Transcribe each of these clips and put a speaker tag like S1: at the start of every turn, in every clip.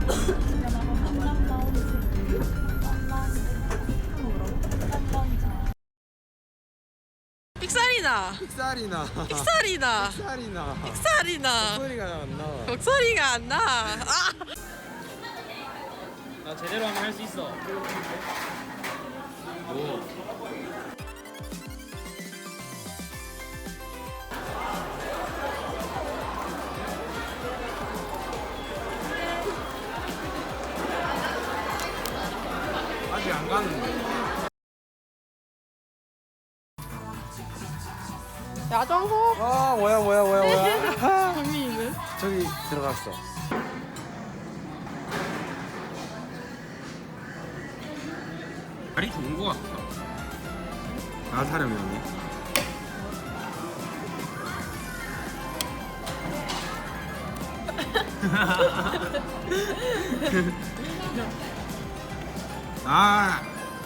S1: 픽살이나.
S2: 픽살이나.
S1: 픽살이나.
S2: 픽살이나.
S1: 픽살이나.
S2: 소리가 안 나와.
S1: 목소리가 안 나. 아!
S3: 나 제대로 하면 할 수 있어. 오.
S2: 아직 안 가는데.
S1: 야정호.
S2: 아 뭐야.
S1: 재미있는.
S2: 저기 들어갔어.
S3: 다리 좋은 거 같다.
S2: 나 사려면. 아.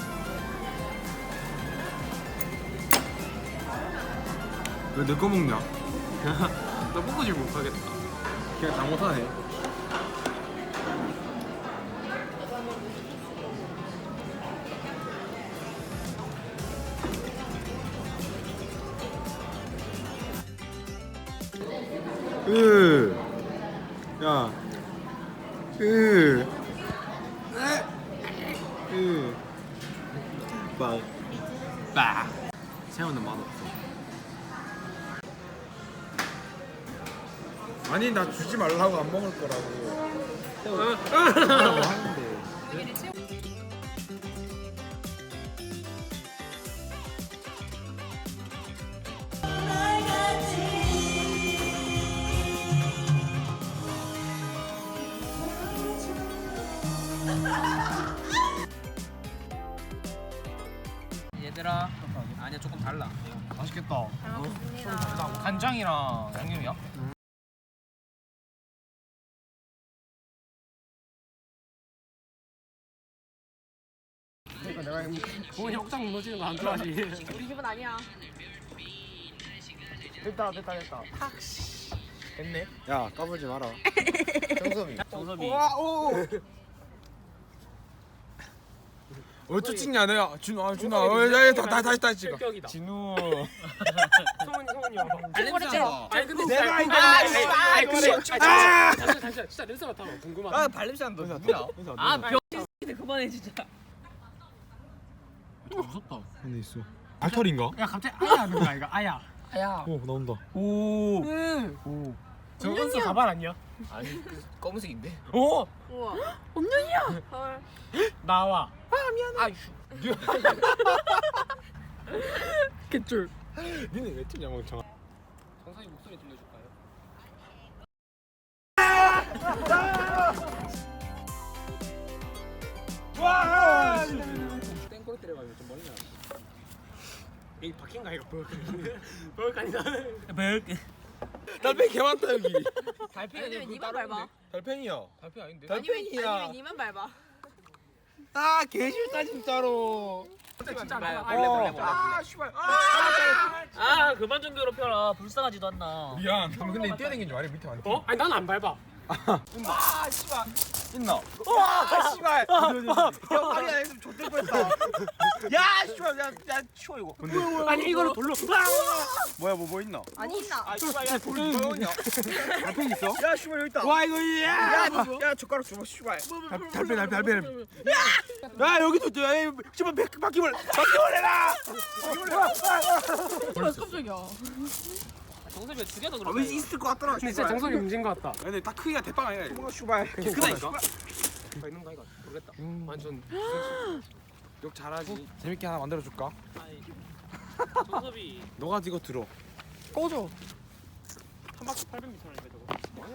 S2: 왜 내 거 먹냐?
S3: 나 먹고질 못하겠다.
S2: 그냥 다 못하네. 야,
S3: 빠. 새우는 맛없어.
S2: 아니 나 주지 말라고 안 먹을 거라고. 새우 하는데.
S3: 얘들아, 아니야 조금 달라.
S2: 맛있겠다.
S3: 간장이랑 양념이야?
S2: 그러니까 내가
S3: 부모님 혹장 무너지는 거 안 좋아하지?
S1: 우리 집은 아니야.
S3: 됐다. 됐네.
S2: 야 까불지 마라. 정섭이.
S3: 정섭이.
S2: 어쩌 찍냐 내가 준아 다시 찍어.
S3: 격이다.
S2: 진우.
S3: 성훈이 형.
S1: 발냄새.
S3: 아니 근데
S2: 내가 이거
S3: 잠시만 진짜 냄새 맡아 궁금하다.
S2: 발냄새 안 나. 누구야?
S1: 병신 그만해 진짜.
S3: 무섭다.
S2: 근데 있어. 알털인가?
S3: 야 갑자기 아야 하는 거야 이거 아야.
S1: 아야.
S2: 오 나온다.
S3: 오. 저 은서 가발 아니야?
S4: 아니 검은색인데.
S3: 오.
S1: 우와. 엄년이야. 헐.
S3: 나와.
S4: 아이슈.
S1: 개쫄.
S2: 니네 왜 찍냐 멍청아.
S3: 정상이 목소리 들려줄까요?
S2: 와!
S3: 땡꼬리 때려가지고 좀 멀리 나. 여기 바뀐가 이거 버럭하니 나는.
S2: 달팽이 개 많다 여기.
S1: 아니면 니만 밟아.
S2: 달팽이야.
S3: 발표 아닌데?
S1: 아니면 니만 밟아.
S2: 아 개싫다 진짜로.
S3: 진짜 안
S2: 아 씨발.
S4: 아 그만 좀 괴롭혀라. 불쌍하지도 않나.
S2: 미안. 근데 뛰어다니는 줄 알아 밑에 많이.
S3: 어? 아니 나는 안 밟아.
S2: 아 씨발. 있나? 와 씨발. 야 아니야 했으면 좆될 뻔했다. 야 씨발 야 치워 이거.
S3: 아니 이거를 돌로.
S2: 뭐야 뭐 있나?
S1: 아니 있나?
S2: 아 씨발 야 돌이 뭐 있냐? 달팽이 있어? 야 씨발 여기 있다. 와 이거 야 젓가락 줘봐 씨발. 달팽이. 야 여기도 있다. 야 씨발 바퀴벌 해라.
S1: 깜짝이야.
S4: 정섭이가 죽여서
S2: 왜
S4: 그럴까?
S2: 있을 것 같더라.
S3: 근데 진짜 정석이 문제인 것 같다.
S2: 근데 딱 크기가 대빵 아니야. 뭔가 씨발.
S3: 크다니까? 있는가 이거 모르겠다. 완전
S2: 욕 잘하지. 재밌게 하나 만들어 줄까?
S4: 정섭이
S2: 너가 이거 들어.
S1: 꺼줘.
S3: 한 바퀴 800m라니까 저거.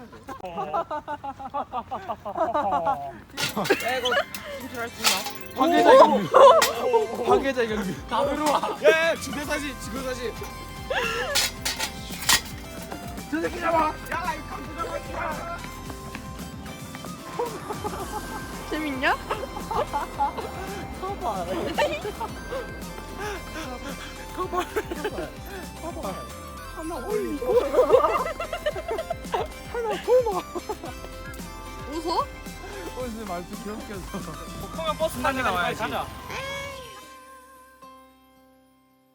S2: 야 이거 인출할 수 있나? 황계자 경비. 황계자 경비.
S3: 다 들어와.
S2: 야 지도사지. 저 새끼 잡아. 야 이거 강도 잡아 씨발.
S1: 재밌냐? 하나 올리고. 하나 꼽아. 웃어?
S2: 말투 귀엽게 해서.
S3: 복통형 버스 타는 거
S2: 나와야지.
S3: 가자.